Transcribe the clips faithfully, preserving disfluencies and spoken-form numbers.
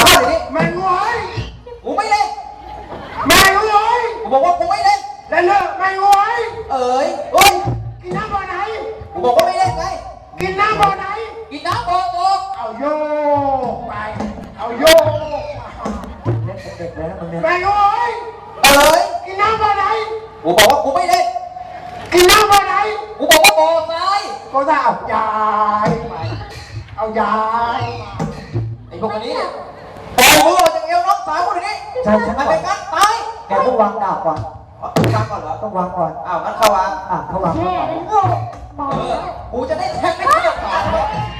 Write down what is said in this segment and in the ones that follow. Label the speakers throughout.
Speaker 1: มาเดี๋ยวนี้
Speaker 2: แม่งวย
Speaker 1: กูไม่เล่น
Speaker 2: แม่งวย
Speaker 1: กูบอกว่ากูไม่เล่น
Speaker 2: เล่นเถอะแม่งวย
Speaker 1: เอ๋ยเฮ้ย
Speaker 2: กินน้ำบ่อไหน
Speaker 1: กูบอกว่าไม่เล่นไง
Speaker 2: กินน้ำบ่อไหน
Speaker 1: กินน้ำบอกบอก
Speaker 2: เอาโยกไปเอาโยก
Speaker 3: เล่นเด็กๆแล้วมึงเนี่ย
Speaker 2: แม่งวย
Speaker 1: เอ๋ย
Speaker 2: กินน้ำบ่อไหน
Speaker 1: กูบอกว่ากูไม่เล่น
Speaker 2: กินน้ำบ่อไหน
Speaker 1: กูบอกว่าบ่อทราย
Speaker 2: ก็จะเอายายไปเอายาย
Speaker 1: ไอ้พวกนี้เนี่ยปล่อยมือออกจากเอวน้องสาวกูเดี๋ยวนี้
Speaker 3: ใช่ฉัน
Speaker 1: มัน
Speaker 3: ก่อ
Speaker 1: เป็น นการตาย
Speaker 3: แกต้องวางดาบก่อน
Speaker 1: เอาวางก่อนเหรอ
Speaker 3: ต้องวางก่อน
Speaker 1: อ้าวงั้นเข้าวาง
Speaker 3: อ่ะเขาวางเขา
Speaker 4: แม่
Speaker 3: ก่อน
Speaker 4: เป็นโง่บอก
Speaker 1: เออกูจะได้แทงไม่เที่ยวขาดเลย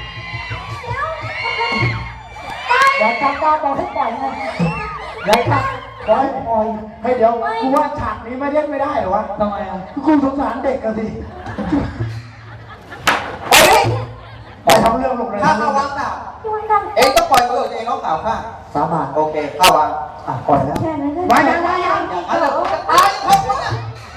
Speaker 3: อย่าจับดาบบอกให้ปล่อยไงอย่าจับปล่อยปล่อย
Speaker 2: เฮ้ยเดี๋ยวกูว่าฉากนี้ไม่เล่นไม่ได้เหรอวะ
Speaker 3: ทำไมอ่ะ
Speaker 2: กูสงสารเด็กกันสิ
Speaker 1: เฮ้ย
Speaker 2: ไปทำเรื่องลงเลย
Speaker 1: ถ้าเข้าวางดาบ
Speaker 4: ช่วยกัน
Speaker 1: เองต้องปล่อยมือออกจากเอวน้องสาวข้า
Speaker 3: สามบาท
Speaker 1: โอเคเข้าวาง
Speaker 3: อ่ะปล่อยแล้ว
Speaker 4: แค่นั้นก็
Speaker 2: ไว้ยังไว้ยัง
Speaker 1: อย่างนั้นแหละกูจะตายเพราะมึงอะ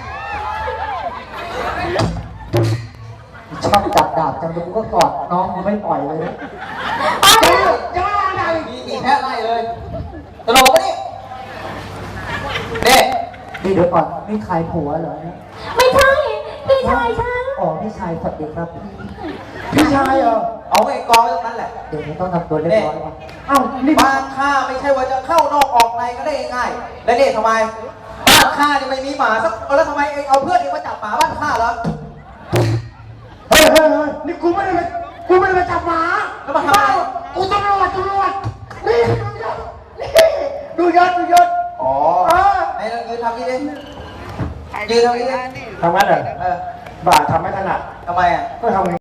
Speaker 3: ชอบจับดาบจังเลยกูก็กอดน้องกูไม่ปล่อยเลยนะ
Speaker 2: จะจะมาอะไร
Speaker 1: มีมีแพ้ไล่เลยตลกปะนี่เด็
Speaker 3: นี่เดี๋ยวก่อนนี่ใครผัวเหรอเนี่ย
Speaker 4: ไม่ใช่พี่ชายฉัน
Speaker 3: อ๋อพี่ชายสวัสดีครับ
Speaker 2: พี่ชายเหรอ
Speaker 1: เอาไอ้กองไว้ตรงนั้นแหละ
Speaker 3: เดี๋ยวนี้ต้องทำตัวเรียบร้อยก่อน
Speaker 2: เอ้านี่
Speaker 1: บ้านข้าไม่ใช่ว่าจะเข้านอกออกในก็ได้ง่ายๆแล้วนี่ทำไมบ้านข้านี่ไม่มีหมาสักตัวแล้วทำไมเองเอาเพื่อนเองมาจับหมาบ้านข้าเหรอ
Speaker 2: เฮ้ยเฮ้ยเฮ้ยนี่กูไม่ได้ไปกูไม่ได้ไปจับหมา
Speaker 1: แล้วมาทำอะไร
Speaker 2: กูตำรวจตำรวจนี่ดูยศดูยศ
Speaker 1: อ๋อ
Speaker 2: เออ
Speaker 1: ไหนเรายืนทำนี่ดิยืนทำนี่ดิ
Speaker 2: ทำงั้นเหรอ
Speaker 1: เออ
Speaker 2: บ้าทำไม่ถนัด
Speaker 1: ทำไมอ่ะ
Speaker 2: ก็ทำไง